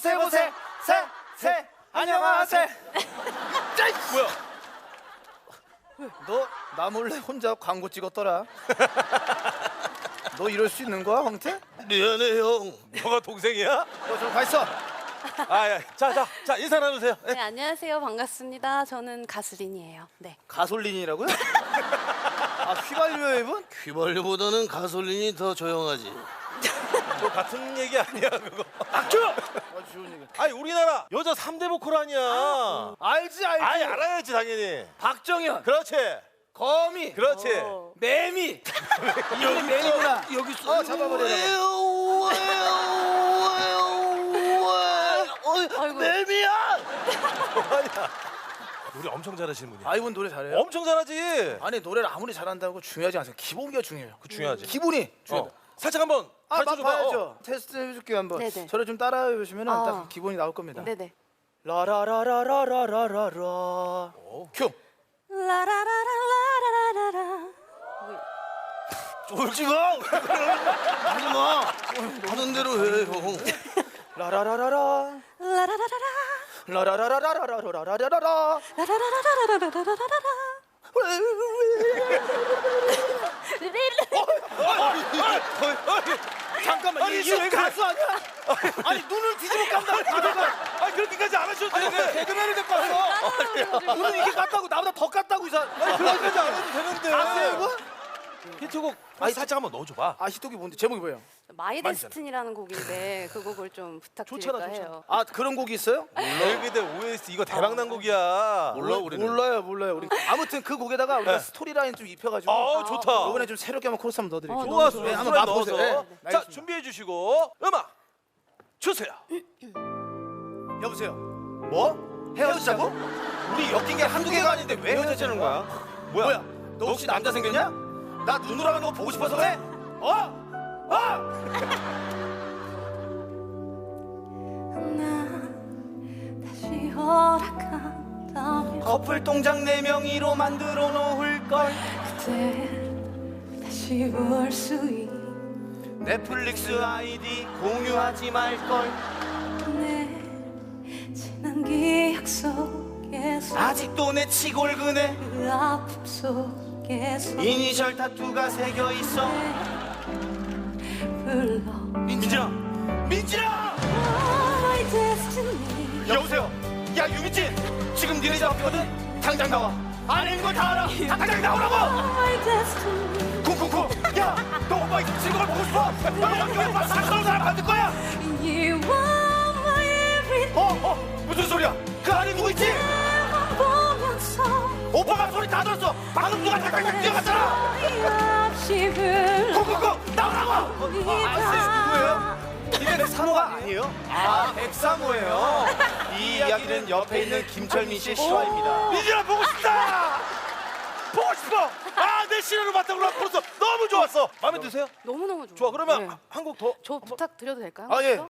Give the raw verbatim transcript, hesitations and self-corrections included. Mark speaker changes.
Speaker 1: 보세 보세 세세 안녕하세요. 짜이 뭐야? 너 나 몰래 혼자 광고 찍었더라. 너 이럴 수 있는 거야, 황태?
Speaker 2: 미안해 형. 너가 동생이야?
Speaker 1: 너 좀 가 있어.
Speaker 2: 아, 자, 자, 자 인사 나누세요.
Speaker 3: 네, 안녕하세요. 반갑습니다. 저는 가슬린이에요. 네.
Speaker 1: 가솔린이라고요? 아, 휘발유 앱은?
Speaker 2: 휘발유보다는 가솔린이 더 조용하지. 뭐 같은 얘기 아니야 그거.
Speaker 1: 박주! 아, 좋은 얘기.
Speaker 2: 아니 우리나라 여자 삼 대 보컬 아니야.
Speaker 1: 알지 알지.
Speaker 2: 아니 알아야지 당연히.
Speaker 1: 박정현,
Speaker 2: 그렇지.
Speaker 1: 거미,
Speaker 2: 그렇지.
Speaker 3: 어.
Speaker 1: 매미. 여기 매미구나. 여기 있어. 어, 잡아버려.
Speaker 3: 아이고.
Speaker 1: 매미야.
Speaker 2: 아니야. 노래 엄청 잘하시는 분이야.
Speaker 1: 아, 이분 노래 잘해요?
Speaker 2: 엄청 잘하지.
Speaker 1: 아니, 노래를 아무리 잘한다고 중요하지 않아요. 기본기가 중요해요.
Speaker 2: 그 중요하지.
Speaker 1: 기본이 중요하다.
Speaker 2: 어. 살짝 한번
Speaker 1: 아,
Speaker 2: 가르쳐
Speaker 1: 맛
Speaker 2: 줘봐.
Speaker 1: 봐야죠.
Speaker 2: 어.
Speaker 1: 테스트 해줄게요 한번.
Speaker 3: 네네.
Speaker 1: 저를 좀 따라해 보시면
Speaker 3: 아.
Speaker 1: 딱 기본이 나올 겁니다.
Speaker 3: 네네.
Speaker 1: 라라라라라라라라. 큐.
Speaker 3: 라라라라라라라라.
Speaker 1: 쫄지 마. 하지 마. 하는 대로 해, 형. 라라라라라.
Speaker 3: 라라라라라.
Speaker 1: 라라라라라라라라라라.
Speaker 3: 라라라라라라라라라라.
Speaker 1: 잠깐만,
Speaker 2: 아니,
Speaker 1: 이게 왜
Speaker 2: 왜
Speaker 1: 가수 아니야? 아니, 눈을 뒤집어 깐다고 가다가.
Speaker 2: 아니 그렇게까지 안 하셔도
Speaker 1: 아니, 왜
Speaker 2: 되는데.
Speaker 1: 개그맨을 데리고 왔어? 눈을 이게 깠다고 나보다 더 깠다고 이 사람. 아니,
Speaker 2: 그렇게까지 안 해도 되는데.
Speaker 1: 가수야 이거?
Speaker 2: 히트곡 아니 살짝 한번 넣어줘봐.
Speaker 1: 아, 히트곡이 뭔데? 제목이 뭐예요?
Speaker 3: 마이 데스티니라는 곡인데 그 곡을 좀 부탁드릴까
Speaker 2: 좋잖아,
Speaker 3: 해요.
Speaker 1: 아, 그런 곡이 있어요?
Speaker 2: 벨비데 오에스티 이거 대박난 곡이야.
Speaker 1: 몰라, 우리는. 몰라요, 몰라요. 우리 아무튼 그 곡에다가 우리가
Speaker 2: 네.
Speaker 1: 스토리라인 좀 입혀가지고.
Speaker 2: 아 좋다.
Speaker 1: 이번에 좀 새롭게 한번 코러스 한번 넣어드릴게요.
Speaker 3: 어,
Speaker 2: 좋아,
Speaker 3: 너무
Speaker 2: 좋아.
Speaker 3: 좋아요.
Speaker 1: 네, 한번
Speaker 2: 한번
Speaker 1: 맛보세요.
Speaker 2: 넣어서.
Speaker 1: 네, 네,
Speaker 2: 자
Speaker 1: 알겠습니다.
Speaker 2: 준비해 주시고 음악 주세요.
Speaker 1: 여보세요. 뭐? 헤어지자고? 우리 엮인 게 한두 개가 아닌데 왜 헤어지자는 거야? 뭐야? 너 혹시 남자 생겼냐? 나 눈으로 하는 거 보고 싶어서 그래? 어? 어?
Speaker 3: 난 다시 허락한다면
Speaker 1: 커플 동작 네 명이로 만들어 놓을 걸.
Speaker 3: 그대 다시 올 수 있.
Speaker 1: 넷플릭스 아이디 공유하지 말 걸.
Speaker 3: 내 지난 기억 속에서
Speaker 1: 아직도 내 치골근에
Speaker 3: 그 아픔 속에서
Speaker 1: 이니셜 타투가 새겨 있어.
Speaker 3: 불러
Speaker 1: 민진아, 민진아!
Speaker 3: My destiny.
Speaker 1: 여보세요. 야, 유민진, 지금 니네 잡혔거든. 당장 나와. 아닌 걸 다 알아. 당장 나오라고.
Speaker 3: My destiny.
Speaker 1: 쿵쿵쿵. 야, 너 오빠 지금 걸 보고 싶어? 너 여기 왜 막 사는 사람 만들 거야?
Speaker 3: You are my everything.
Speaker 1: 어, 어, 무슨 소리야? 그 안에 누구 있지?
Speaker 3: 보면서
Speaker 1: 오빠가 소리 다 들었어. 방금 누가 잠깐 뛰어갔잖아.
Speaker 3: 없이 불러
Speaker 1: 쿵쿵쿵 나오라고. 아, 아세요? 누구예요? 이게 상호가 아니에요? 아, 백상호예요. 이 이야기는 옆에 있는 김철민 씨의 실화입니다.
Speaker 2: 민진아 보고 싶다. 보고 싶어. 아 내 시련을 바탕으로 한 코러스 너무 좋았어. 마음에 드세요?
Speaker 3: 너무너무 좋아요.
Speaker 2: 좋아 그러면
Speaker 3: 네.
Speaker 2: 한 곡 더.
Speaker 3: 저 부탁드려도 될까요?
Speaker 1: 아, 예.